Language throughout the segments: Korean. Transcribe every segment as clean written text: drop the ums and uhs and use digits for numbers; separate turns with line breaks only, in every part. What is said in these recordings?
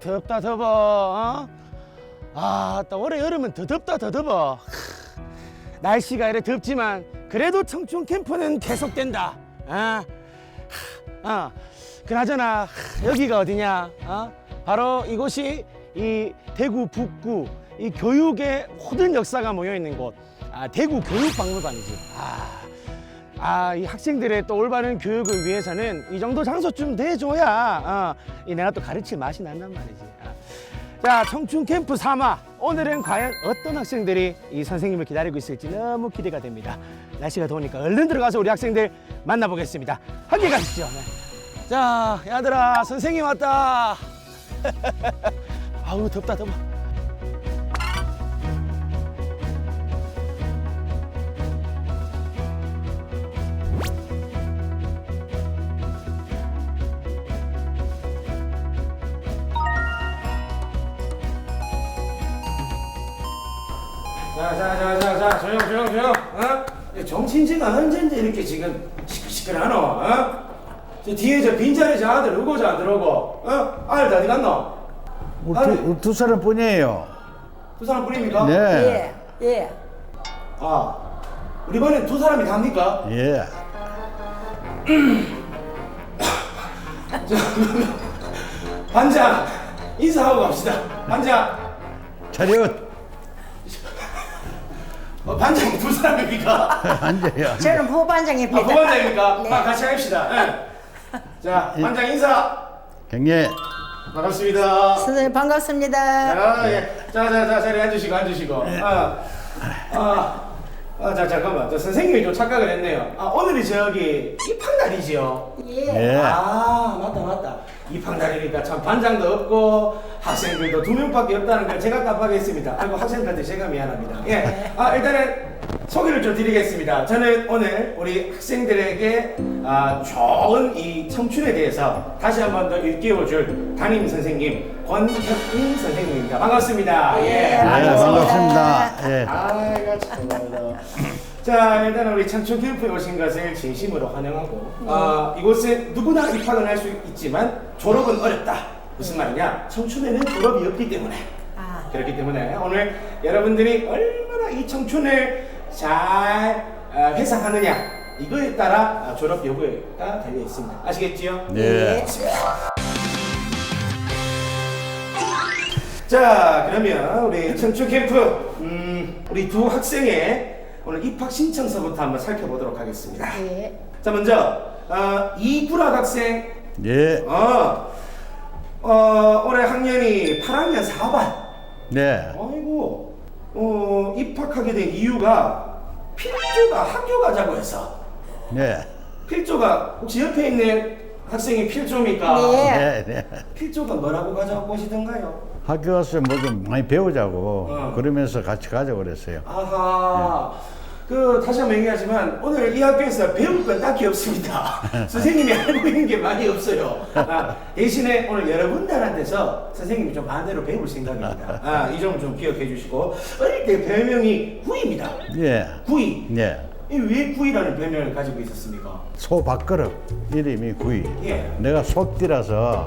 덥다 더워. 또 올해 여름은 더 덥다 더 더워. 날씨가 이래 덥지만 그래도 청춘 캠프는 계속된다. 그나저나 여기가 어디냐? 바로 이곳이 이 대구 북구 이 교육의 모든 역사가 모여 있는 곳. 대구 교육박물관이지. 이 학생들의 또 올바른 교육을 위해서는 이 정도 장소쯤 돼줘야 이 내가 또 가르칠 맛이 난단 말이지. 자, 청춘 캠프 3화. 오늘은 과연 어떤 학생들이 이 선생님을 기다리고 있을지 너무 기대가 됩니다. 날씨가 더우니까 얼른 들어가서 우리 학생들 만나보겠습니다. 함께 가시죠. 네. 자, 얘들아, 선생님 왔다. 아우, 덥다 더워. 자, 조용. 정신지가 언젠데 이렇게 지금 시끌시끌하노? 저 뒤에 저 빈자리 저 아들 오고 저 안 들어오고? 아들 어디 갔노?
두 사람뿐이에요.
두 사람뿐입니까?
네.
예.
우리 반에 두 사람이 갑니까?
예.
반장 인사하고 갑시다. 반장.
차렷.
반장이 두 사람입니까?
앉아요.
저는 부반장입니다.
부반장입니까?
네.
같이 합시다. 네. 자, 반장 인사.
경례.
반갑습니다.
선생님 반갑습니다.
예. 자, 자리 앉으시고. 자, 잠깐만. 저 선생님이 좀 착각을 했네요. 오늘이 저기 입학날이지요?
예.
예.
맞다. 입학날이니까 참 반장도 없고 학생들도 2명밖에 없다는 걸 제가 깜빡했습니다. 아이고, 학생들한테 제가 미안합니다. 예. 일단은 소개를 좀 드리겠습니다. 저는 오늘 우리 학생들에게 좋은 이 청춘에 대해서 다시 한 번 더 일깨워줄 담임 선생님 권혁민 선생님입니다. 반갑습니다.
예.
반갑습니다. 예.
아이고, 참말로. 자, 일단 우리 청춘 캠프에 오신 것을 진심으로 환영하고 이곳에 누구나 입학은 할 수 있지만 졸업은 어렵다. 무슨 말이냐? 청춘에는 졸업이 없기 때문에. 그렇기 때문에 오늘 여러분들이 얼마나 이 청춘을 잘 회상하느냐 이거에 따라 졸업 여부가 달려 있습니다. 아시겠지요?
네.
자, 그러면 우리 청춘 캠프 우리 두 학생의 오늘 입학 신청서부터 한번 살펴보도록 하겠습니다.
예.
자, 먼저 이구락 학생.
예.
올해 학년이 8학년 4반.
네.
아이고, 입학하게 된 이유가 필조가 학교 가자고 해서.
네.
필조가 혹시 옆에 있는 학생이 필조입니까?
네.
네.
필조가 뭐라고 가자고 하시던가요?
학교 가서 뭐 좀 많이 배우자고
어.
그러면서 같이 가자고 그랬어요.
아하. 다시 한번 얘기하지만 오늘 이 학교에서 배울 건 딱히 없습니다. 선생님이 알고 있는 게 많이 없어요. 대신에 오늘 여러분들한테서 선생님이 좀 반대로 배울 생각입니다. 이 점 좀 기억해 주시고 어릴 때 별명이 구이입니다.
예.
구이.
네.
왜 구이라는 별명을 가지고 있었습니까?
소 밥그릇 이름이 구이.
예.
내가 소띠라서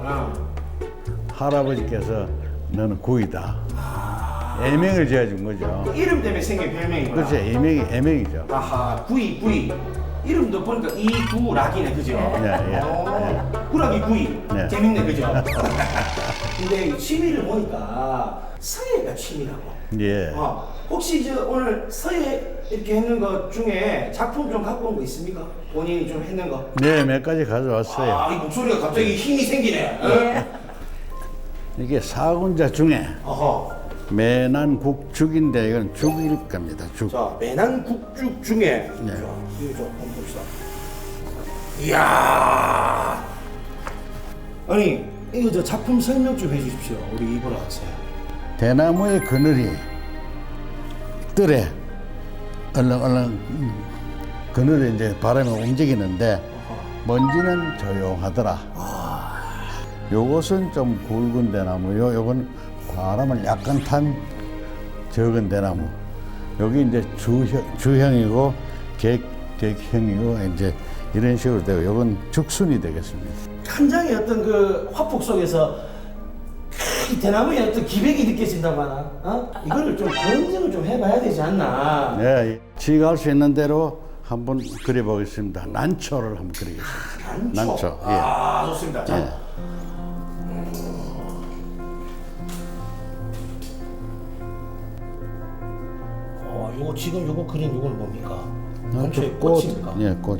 할아버지께서 너는 구이다. 애명을 지어준 거죠.
이름 때문에 생긴 별명이구나.
그렇죠. 애명이죠.
아하, 구이. 이름도 보니까 이구락이네, 그죠?
네, 예.
구락이 구이.
네.
재밌네, 그죠? 근데 이 취미를 보니까 서예가 취미라고.
예.
혹시 오늘 서예 이렇게 했는 것 중에 작품 좀 갖고 온 거 있습니까? 본인이 좀 했는 거?
네, 몇 가지 가져왔어요.
이 목소리가 갑자기 힘이 생기네.
예.
이게 사군자 중에
어허.
매난국죽인데 이건 죽일 겁니다. 죽.
자, 매난국죽 중에.
네.
자, 이거 좀 한번 봅시다. 이야. 아니, 이거 저 작품 설명 좀 해주십시오. 우리 이보라 학생.
대나무의 그늘이 뜰에 얼렁얼렁 그늘에 이제 바람이 움직이는데 먼지는 조용하더라. 요것은 좀 굵은 대나무요. 요건 바람을 약간 탄 적은 대나무. 여기 이제 주형이고 객형이고 이제 이런 식으로 되고 요건 죽순이 되겠습니다.
한 장의 어떤 그 화폭 속에서 이 대나무에 어떤 기백이 느껴진다고 하나? 어? 이거를 좀 검증을 좀 해봐야 되지 않나?
네, 지가 할 수 있는 대로 한번 그려보겠습니다. 난초를 한번 그리겠습니다. 난초. 예.
아, 좋습니다. 자.
예.
요거 지금 요거 그린 요건 뭡니까?
난초
난초의
꽃.
꽃입니까?
예, 꽃이.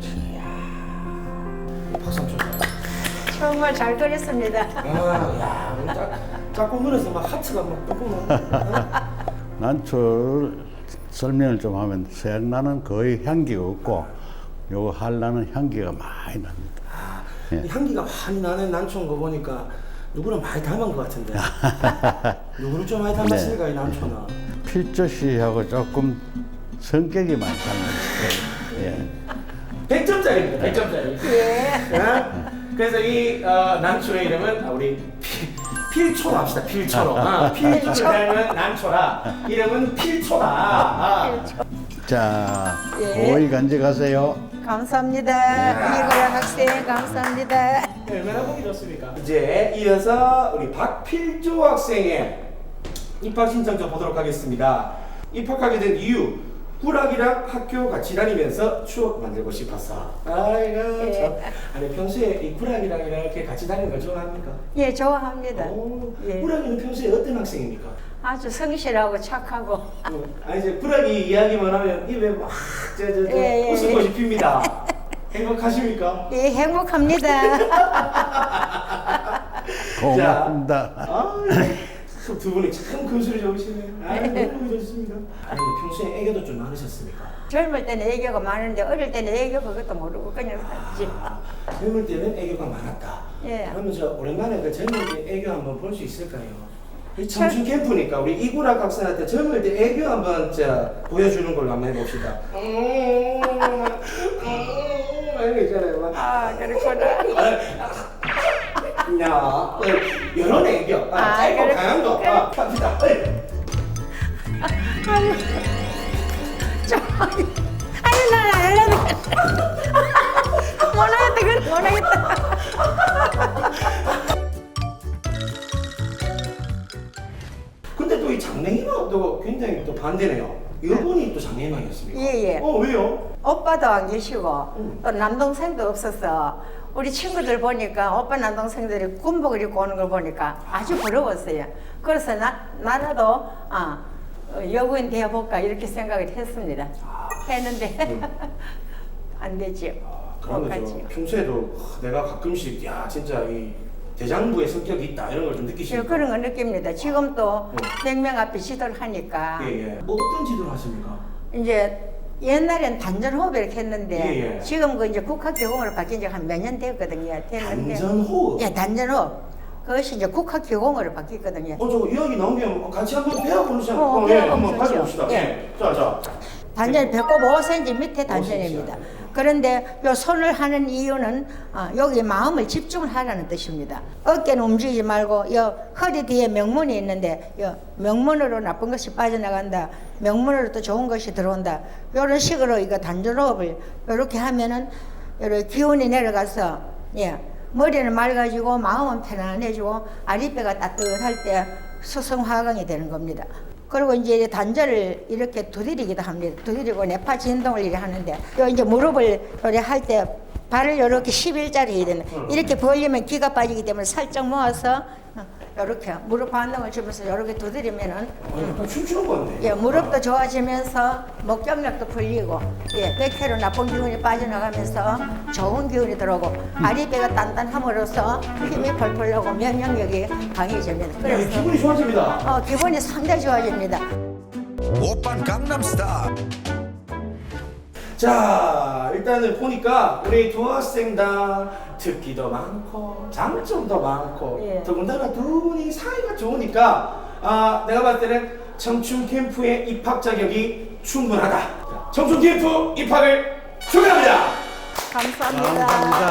박수 한번 쳐줘요.
정말 잘 그렸습니다.
야, 짝꿍 그려서 막 하트가 막 뿜뿜.
난초를 설명을 좀 하면 색나는 거의 향기가 없고 요거 한라는 향기가 많이 납니다.
이 향기가 많이 나는 난초인 거 보니까 누구랑 많이 닮은 것 같은데. 누구를 좀 많이 닮았으니까 이 난초는.
필조 씨하고 조금 성격이 많이 닮았어요. 예.
100점짜리입니다. 100점짜리.
예.
그래서 이 난초의 이름은 우리 필초로 합시다. 필초로. 필초를 닮은 난초라. 이름은 필초다.
자,
예.
오이 간직하세요.
감사합니다. 이거랑 학생 감사합니다.
얼마나 보기 좋습니까? 이제 이어서 우리 박필조 학생의 입학 신청서 보도록 하겠습니다. 입학하게 된 이유, 꿀학이랑 학교 같이 다니면서 추억 만들고 싶어서. 아이고 참. 아니 평소에 이 꿀학이랑 이렇게 같이 다니는 걸 좋아합니까?
예, 좋아합니다. 예.
꿀학이는 평소에 어떤 학생입니까?
아주 성실하고 착하고.
아니 이제 꿀학이 이야기만 하면 입에 막
예, 예,
웃음꽃이
예.
핍니다. 행복하십니까?
예, 행복합니다.
고맙습니다.
두 분이 참 금술이 좋으시네요. 너무 좋습니다. 아니 평소에 애교도 좀 많으셨습니까?
젊을 때는 애교가 많은데 어릴 때는 애교 그것도 모르고 그냥 살지.
젊을 때는 애교가 많았다.
예.
그러면 저 오랜만에 그 젊을 때 애교 한번 볼 수 있을까요? 이 청춘 캠프니까 우리 이구락 학생한테 젊을 때 애교 한번 보여주는 걸로 한번 해봅시다. 이런 거 있잖아요. 막.
아, 그렇구나.
야, 이런 애교. 짧고
그래.
강한 거. 합시다.
아니, 난안 하려고. 못하겠다, 그래, 못하겠다.
근데 또 이 장래희망도 굉장히 또 반대네요. 이분이 또 장래희망이었습니까?
예, 예.
왜요?
오빠도 안 계시고 또 남동생도 없어서 우리 친구들 보니까 오빠 남동생들이 군복을 입고 오는 걸 보니까 아주 부러웠어요. 그래서 나라도 여고인 되어볼까 이렇게 생각을 했습니다. 했는데 안 되지요.
그런
못
거죠.
가지요.
평소에도 내가 가끔씩 야 진짜 이 대장부의 성격이 있다 이런 걸 좀
예,
느끼시니까.
그런 거 느낍니다. 지금도 100명 앞에 지도를 하니까
예. 뭐 어떤 지도를 하십니까?
이제 옛날엔 단전호흡 이렇게 했는데
예.
지금 그 이제 국학기공으로 바뀐 지 한 몇 년 됐거든요. 됐는데
단전호흡.
예, 단전호흡. 그것이 이제 국학기공으로 바뀌었거든요.
저거 이야기 나온 게 같이 한번 배워보시죠.
배워보면
한번
좋죠.
가져봅시다.
예.
자.
단전이 배꼽 5cm 밑에 단전입니다. 그런데 요 손을 하는 이유는 여기 마음을 집중을 하라는 뜻입니다. 어깨는 움직이지 말고 요 허리 뒤에 명문이 있는데 요 명문으로 나쁜 것이 빠져나간다. 명문으로 또 좋은 것이 들어온다. 이런 식으로 이거 단전호흡을 이렇게 하면은 이렇게 기운이 내려가서 머리는 맑아지고 마음은 편안해지고 아랫배가 따뜻할 때 수성화강이 되는 겁니다. 그리고 이제 단전을 이렇게 두드리기도 합니다. 두드리고 뇌파 진동을 이렇게 하는데, 요 이제 무릎을 이렇게 할 때 발을 이렇게 11자리 해야 되는. 이렇게 벌리면 기가 빠지기 때문에 살짝 모아서 이렇게 무릎 반동을 주면서 이렇게 두드리면은
약간 춤추는 건데.
무릎도 좋아지면서 목경력도 풀리고 백회로 나쁜 기운이 빠져나가면서 좋은 기운이 들어오고 아랫배가 단단함으로써 힘이 펄펄 나고 면역력이 강해집니다. 그래서
기분이 좋아집니다.
기분이 상당히 좋아집니다.
오빤 강남스타일.
자, 일단은 보니까 우리 두 학생 다 특기도 많고 장점도 많고
예.
더군다나 두 분이 사이가 좋으니까 내가 봤을 때는 청춘 캠프의 입학 자격이 충분하다. 청춘 캠프 입학을 축하합니다.
감사합니다.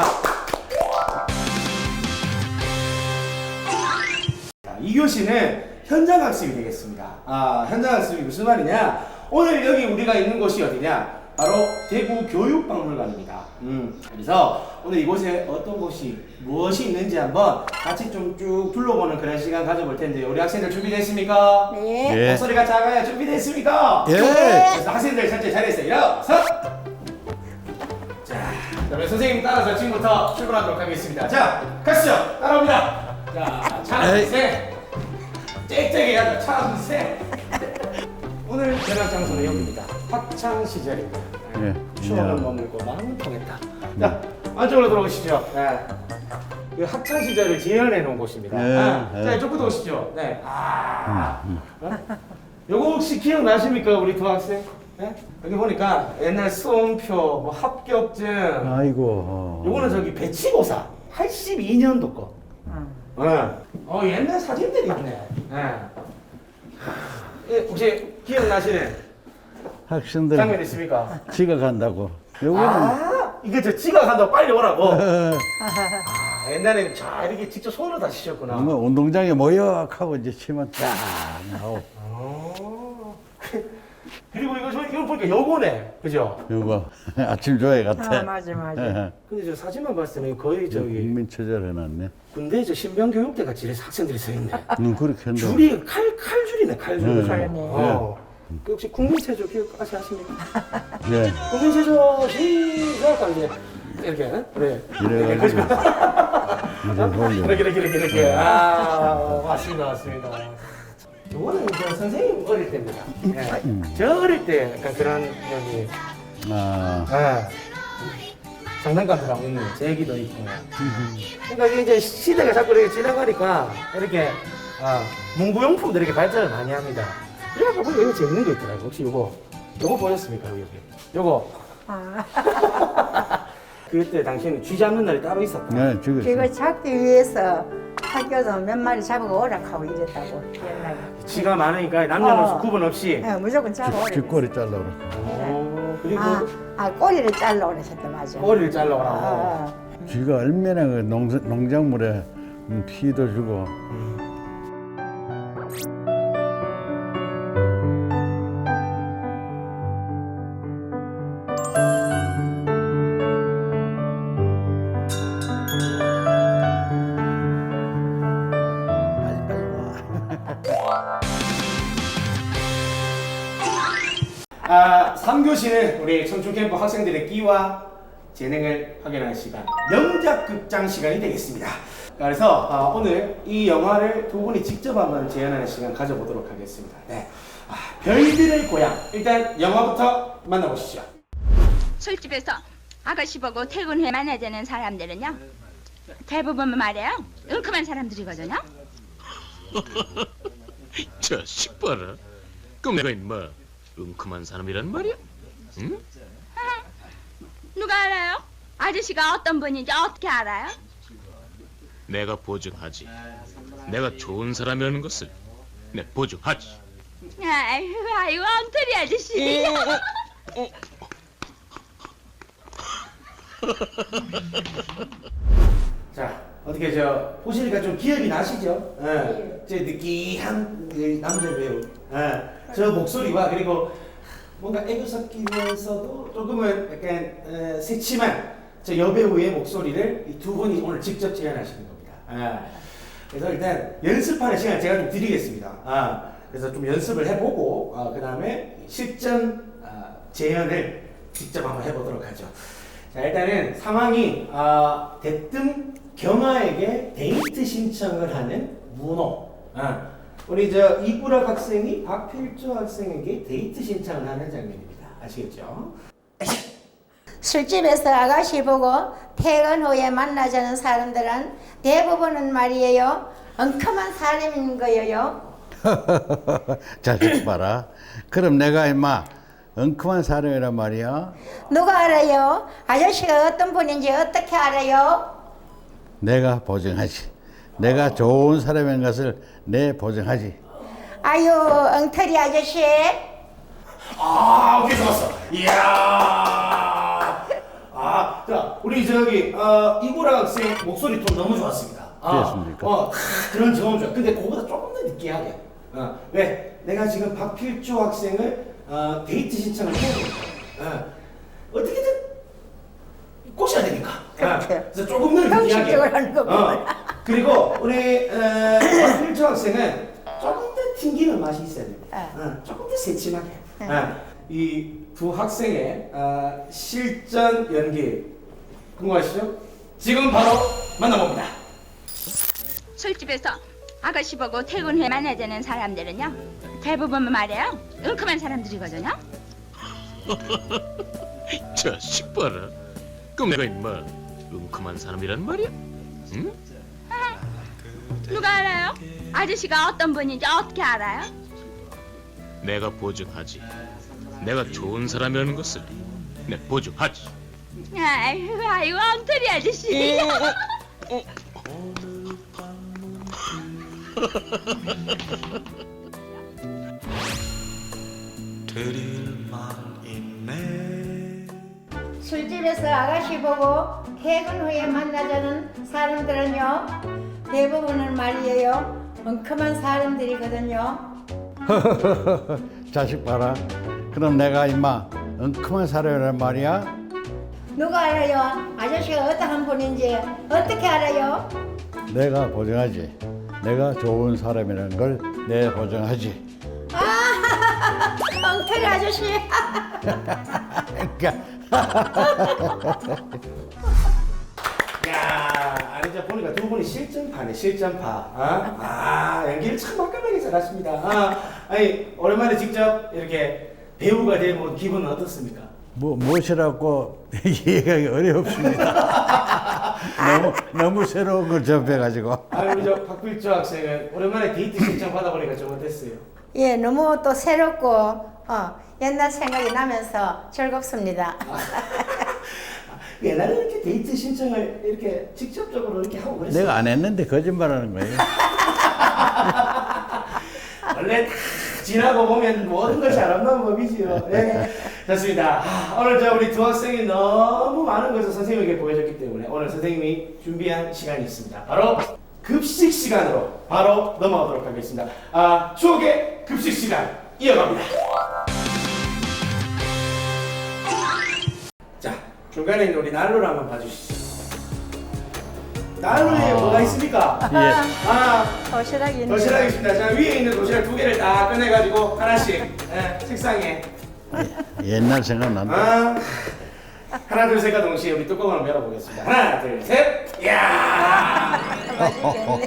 자, 2교시는 현장 학습이 되겠습니다. 현장 학습이 무슨 말이냐? 오늘 여기 우리가 있는 곳이 어디냐? 바로 대구 교육박물관입니다. 그래서 오늘 이곳에 어떤 곳이 무엇이 있는지 한번 같이 좀 쭉 둘러보는 그런 시간 가져볼 텐데 우리 학생들 준비됐습니까?
네.
예.
목소리가 작아야 준비됐습니까?
예.
그래서 학생들 전체 자리에서 일어서. 자, 그러면 선생님 따라서 지금부터 출발하도록 하겠습니다. 자, 가시죠. 따라옵니다. 자, 차는 셋. 짹짹이 해야죠. 차는 셋. 오늘 전학 장소는 여기입니다. 학창 시절입니다.
예.
추억을 머물고 마음은 통했다. 자, 안쪽으로 들어오시죠. 네. 이 학창 시절을 재현해 놓은 곳입니다.
예,
자,
예.
이쪽부터 오시죠. 네. 요거 혹시 기억나십니까, 우리 두 학생? 네? 여기 보니까 옛날 수험표, 뭐 합격증.
아이고.
요거는 저기 배치고사 82년도 거. 옛날 사진들이 있네. 혹시 기억나시는
학생들
장면 있습니까?
지각한다고. 요거는
이게 저 지각한다고 빨리 오라고. 옛날에는 자 이렇게 직접 손으로 다 치셨구나.
뭐 운동장에 모여 하고 이제 치면 딱 나오고.
그리고 이거 보니까 요거네, 그죠?
요거 아침 조회 같아.
맞아.
근데 저 사진만 봤을 때는 거의 저기
국민체절 해놨네.
군대 저 신병교육대 같이 이렇게 학생들이 서 있네.
그렇게 한다.
줄이 칼줄이네, 칼줄.
네.
그 혹시 국민체조 기억까지 하십니까?
예.
국민체조 시작 이제 이렇게 그래.
이래가지고 이제 돌려.
이렇게. 맞습니다. 이거는 저 선생님 어릴 때입니다. 저 어릴 때 약간 그런 여기 장난감들하고 있는 제기도 있고. 그러니까 이게 이제 시대가 자꾸 이렇게 지나가니까 이렇게 문구용품들 이렇게 발전을 많이 합니다. 그래서 보니까 이거 재밌는 거 있더라고요. 혹시 요거 보셨습니까? 여기. 요거. 그때 당시에는 쥐 잡는 날이 따로 있었다.
네, 지금
그거 잡기 위해서 학교에서 몇 마리 잡아고 오락하고 이랬다고 옛날에.
쥐가 많으니까 남녀노소
어.
구분 없이.
예, 무조건 잡아오래.
뒷골이 잘라오라.
그리고
꼬리를 잘라 오랬었대 맞아.
머리를 잘라오라고.
쥐가 얼마나 그 농작물에 피도 주고.
아, 3교시는 우리 청춘캠프 학생들의 끼와 재능을 확인하는 시간, 명작극장 시간이 되겠습니다. 그래서 오늘 이 영화를 두 분이 직접 한번 재현하는 시간 가져보도록 하겠습니다. 네. 별들의 고향. 일단 영화부터 만나보시죠.
술집에서 아가씨 보고 퇴근 후에 만나자는 사람들은요 대부분 말이에요 은큼한 사람들이거든요.
자식 봐라. 그럼 내가 임마 은큼한 사람이란 말이야? 응?
누가 알아요? 아저씨가 어떤 분인지 어떻게 알아요?
내가 보증하지. 내가 좋은 사람이라는 것을 내 보증하지.
아이고 엉터리 아저씨.
자, 어떻게 보시니까 좀 기억이 나시죠? 제 느끼한 그 남자 배우. 저 목소리와 그리고 뭔가 애교 섞이면서도 조금은 약간 새침한 저 여배우의 목소리를 이 두 분이 오늘 직접 재현하시는 겁니다. 그래서 일단 연습하는 시간 제가 좀 드리겠습니다. 그래서 좀 연습을 해보고 그 다음에 실전 재현을 직접 한번 해보도록 하죠. 자, 일단은 상황이 대뜸 경아에게 데이트 신청을 하는 문호. 우리 이구락 학생이 박필주 학생에게 데이트 신청을 하는 장면입니다. 아시겠죠?
술집에서 아가씨 보고 퇴근 후에 만나자는 사람들은 대부분은 말이에요 엉큼한 사람인 거예요.
자식 봐라. 그럼 내가 임마 엉큼한 사람이란 말이야.
누가 알아요? 아저씨가 어떤 분인지 어떻게 알아요?
내가 보증하지. 내가 좋은 사람인 것을 내 보증하지.
아유 엉터리 아저씨.
오케이, 좋았어. 이야. 자, 우리 이구락 학생 목소리 톤 너무 좋았습니다.
그렇습니까?
그런 점은 좋아. 근데 그거보다 조금 더 느끼하게. 왜? 내가 지금 박필주 학생을 데이트 신청을 해야 됩니다. 그래서 조금 더
형식적으로 하는 거 보면.
그리고 우리 박필주 학생은 조금 더 튕기는 맛이 있어야 됩니다. 조금 더 새침하게. 이 두 학생의 실전 연기 궁금하시죠? 지금 바로 만나봅니다.
술집에서 아가씨 보고 퇴근해 만나야 되는 사람들은요 대부분 말이에요 은큼한 사람들이거든요.
자식 봐라. 그럼 내가 임마 은큼한 사람이란 말이야? 응?
누가 알아요? 아저씨가 어떤 분인지 어떻게 알아요?
내가 보증하지. 내가 좋은 사람이라는 것을 내 보증하지.
아이고 엉터리 아저씨.
술집에서 아가씨 보고 퇴근 후에 만나자는 사람들은요 대부분은 말이에요 엉큼한 사람들이거든요.
자식 봐라. 그럼 내가 임마 엉큼한 사람이란 말이야?
누가 알아요? 아저씨가 어떠한 분인지 어떻게 알아요?
내가 보증하지. 내가 좋은 사람이라는 걸 내 보증하지.
엉터리 아저씨.
그러니까
야, 아니 이제 보니까 두 분이 실전파네, 실전파. 연기를 참 화끈하게 잘하십니다. 아니 오랜만에 직접 이렇게 배우가 되면 기분은 어떻습니까?
무엇이라고 이해하기 어렵습니다. 너무 새로운 걸 접해가지고.
우리 저 박필주 학생은 오랜만에 데이트 신청 받아보니까 좀 어땠어요?
예, 너무 또 새롭고 옛날 생각이 나면서 즐겁습니다.
옛날에 이렇게 데이트 신청을 이렇게 직접적으로 이렇게 하고 그랬어요.
내가 안 했는데 거짓말하는 거예요.
원래 다 지나고 보면 모든 것이 아름다운 법이지요. 네. 좋습니다. 오늘 우리 두 학생이 너무 많은 것을 선생님에게 보여줬기 때문에 오늘 선생님이 준비한 시간이 있습니다. 바로 급식 시간으로 바로 넘어가도록 하겠습니다. 추억의 급식 시간 이어갑니다. 자, 중간에 있는 우리 난로를 한번 봐주시죠. 난로에 뭐가 있습니까?
도시락이 있는
도시락이 있습니다. 자, 위에 있는 도시락 두 개를 다 꺼내가지고 하나씩 책상에
옛날 생각난다.
하나 둘 셋과 동시에 우리 뚜껑을 한번 열어보겠습니다. 하나 둘 셋. 이야.
맛있겠네.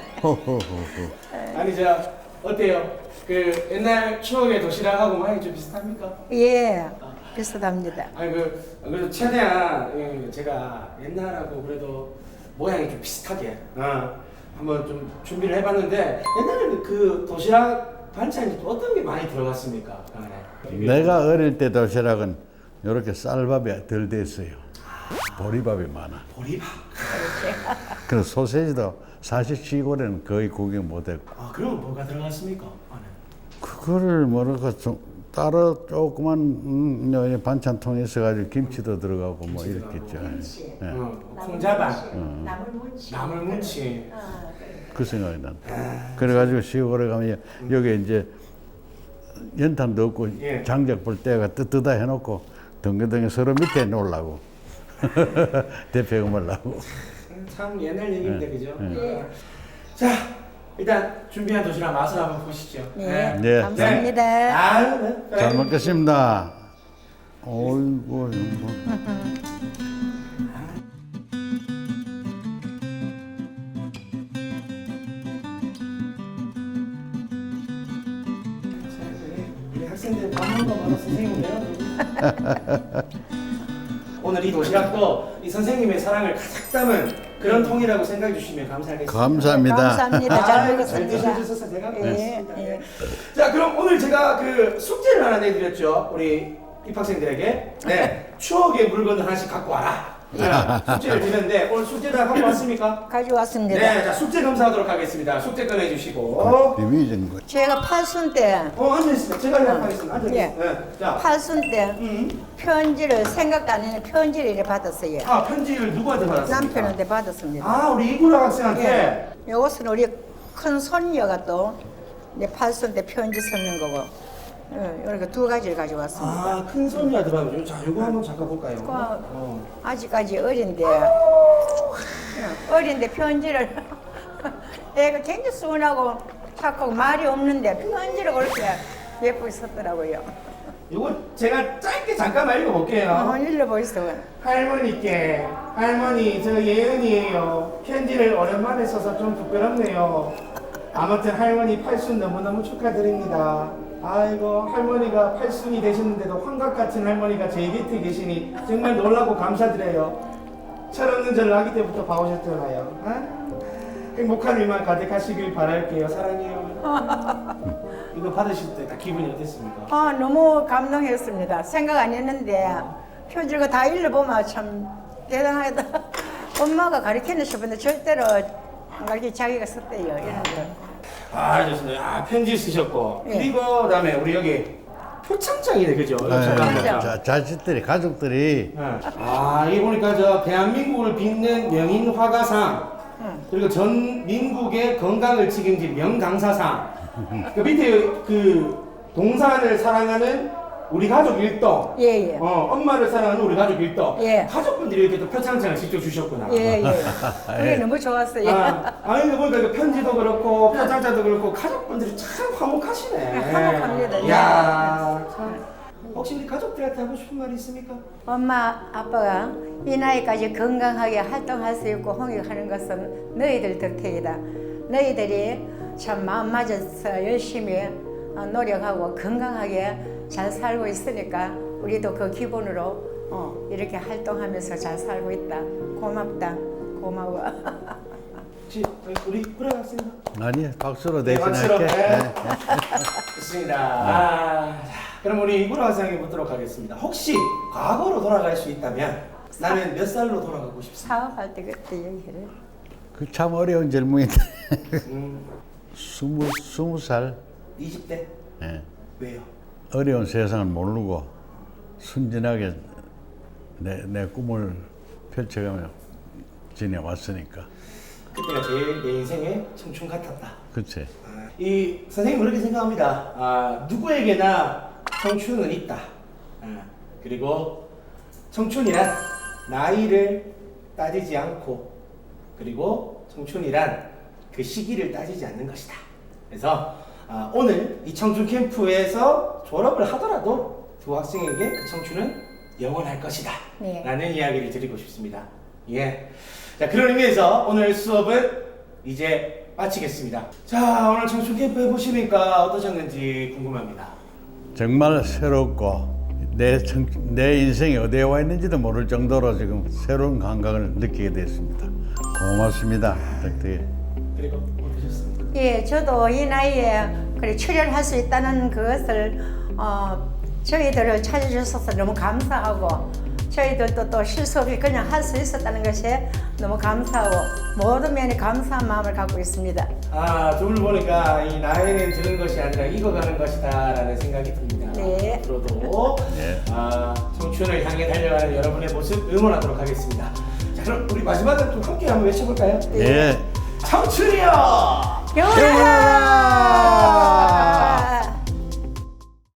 아니 어때요? 그 옛날 추억의 도시락하고 많이 좀 비슷합니까?
예, 비슷합니다.
아니 그래도 최대한 제가 옛날하고 그래도 모양이 좀 비슷하게 한번 좀 준비를 해봤는데 옛날에는 그 도시락 반찬이 또 어떤 게 많이 들어갔습니까?
내가 어릴 때 도시락은 이렇게 쌀밥이 덜 됐어요. 보리밥이 많아.
보리밥.
그래서 소세지도 사실 시골에는 거의 구경 못했고.
그럼 뭐가 들어갔습니까? 안에?
그거를 뭐랄까 좀 따로 조그만 반찬통에 있어가지고 김치도 들어가고 뭐 이렇게 있죠. 예.
콩자반,
나물무치.
나물무치.
그 생각이 난다. 그래가지고 시골에 가면 여기 이제 연탄도 없고
예.
장작 볼 때가 뜨뜨다 해놓고 덩그덩이 서로 밑에 놓으려고 대패고 말라고.
참 옛날 얘기인데 그죠? 자, 일단 준비한 도시락 맛을 한번 보시죠.
네,
네.
감사합니다.
네.
잘 먹겠습니다. 어이구 뭐.
우리 학생들 밥 먹는 거 봐서 선생님 배워. 오늘 이 도시락도 이 선생님의 사랑을 가득 담은 그런 통이라고 생각해 주시면 감사하겠습니다.
감사합니다.
감사합니다. 잘
잘
먹었습니다.
드셔주셔서 제가
예,
고맙습니다.
예.
자, 그럼 오늘 제가 그 숙제를 하나 내드렸죠. 우리 입학생들에게. 네, 추억의 물건 하나씩 갖고 와라. 자, 숙제를 드렸는데 오늘 숙제 다 갖고 왔습니까?
가져왔습니다.
네, 자 숙제 검사하도록 하겠습니다. 숙제 꺼내주시고.
비밀인 거.
제가 팔순 때
앉아있습니다. 제가 하겠습니다. 앉아있습니다.
예.
네, 자,
팔순 때 편지를 생각도 안 했는 편지를 이렇게 받았어요.
편지를 누구한테 받았습니까?
남편한테 받았습니다.
우리 이구라 학생한테.
예. 이것은 우리 큰 손녀가 또 이제 팔순 때 편지 쓰는 거고. 이렇게 두 가지를 가져왔습니다.
큰 손이한테 받았죠. 자, 이거 한번 잠깐 볼까요?
아직까지 어린데 어린데 편지를 애가 굉장히 순하고 착하고 말이 없는데 편지를 그렇게 예쁘게 썼더라고요.
이거 제가 짧게 잠깐만 읽어볼게요.
읽어보시죠.
할머니께, 할머니 저 예은이에요. 편지를 오랜만에 써서 좀 부끄럽네요. 아무튼 할머니 팔순 너무너무 축하드립니다. 아이고 할머니가 팔순이 되셨는데도 환각 같은 할머니가 제 곁에 계시니 정말 놀라고 감사드려요. 철없는 절 아기 때부터 봐오셨잖아요. 행복한 일만 가득하시길 바랄게요. 사랑해요. 이거 받으실 때 딱 기분이 어땠습니까?
너무 감동했습니다. 생각 안 했는데 편지를 다 읽어보면 참 대단하다. 엄마가 가르치는 싶은데 절대로 안 가르치 자기가 썼대요. 이런 거.
아 좋습니다. 편지 쓰셨고
예.
그리고 그다음에 우리 여기 표창장이네 그죠?
자식들이 가족들이
이 보니까 저 대한민국을 빛낸 명인 화가상 그리고 전 민국의 건강을 책임진 명강사상 그 밑에 그 동산을 사랑하는 우리 가족 일동
예.
엄마를 사랑하는 우리 가족 일동
예.
가족분들이 이렇게 또 표창장을 직접 주셨구나.
예. 그게 너무 좋았어요.
아니 보니까 그 편지도 그렇고 표창장도 그렇고 가족분들이 참 화목하시네.
화목합니다.
이야 참. 혹시 우리 가족들한테 하고 싶은 말이 있습니까?
엄마, 아빠가 이 나이까지 건강하게 활동할 수 있고 홍역하는 것은 너희들 덕택이다. 너희들이 참 마음 맞아서 열심히 노력하고 건강하게 잘 살고 있으니까 우리도 그 기본으로 이렇게 활동하면서 잘 살고 있다. 고맙다. 고마워.
혹시 우리 불어났습니다.
아니 박수로
네, 박수로.
대신할게.
네. 좋습니다. 자, 그럼 우리 이구라 화상에 묻도록 하겠습니다. 혹시 과거로 돌아갈 수 있다면 나는 몇 살로 돌아가고 싶습니다.
사업할 때 그때 얘기를.
그 참 어려운 질문인데.
음,
20살
20대?
예.
왜요?
어려운 세상을 모르고 순진하게 내 꿈을 펼쳐가며 지내왔으니까.
그때가 제일 내 인생의 청춘 같았다.
그치.
이 선생님 그렇게 생각합니다. 누구에게나 청춘은 있다. 그리고 청춘이란 나이를 따지지 않고 그리고 청춘이란 그 시기를 따지지 않는 것이다. 그래서 오늘 이 청춘 캠프에서 졸업을 하더라도 두 학생에게 그 청춘은 영원할 것이다.
네.
라는 이야기를 드리고 싶습니다. 예. 자, 그런 의미에서 오늘 수업은 이제 마치겠습니다. 자, 오늘 청춘 캠프 해보시니까 어떠셨는지 궁금합니다.
정말 새롭고 내 인생이 어디에 와 있는지도 모를 정도로 지금 새로운 감각을 느끼게 됐습니다. 고맙습니다. 덕택에.
그리고 어떠셨습니까?
예, 저도 이 나이에 그래 출연할 수 있다는 그것을 저희들을 찾아주셔서 너무 감사하고 저희들도 또 실수 없이 그냥 할 수 있었다는 것이 너무 감사하고 모든 면에 감사한 마음을 갖고 있습니다.
두 분 보니까 이 나이는 드는 것이 아니라 익어가는 것이다 라는 생각이 듭니다.
네.
앞으로도 청춘을 향해 달려가는 여러분의 모습 응원하도록 하겠습니다. 자, 그럼 우리 마지막으로 좀 함께 한번 외쳐볼까요?
예.
청춘이여!
영원하라!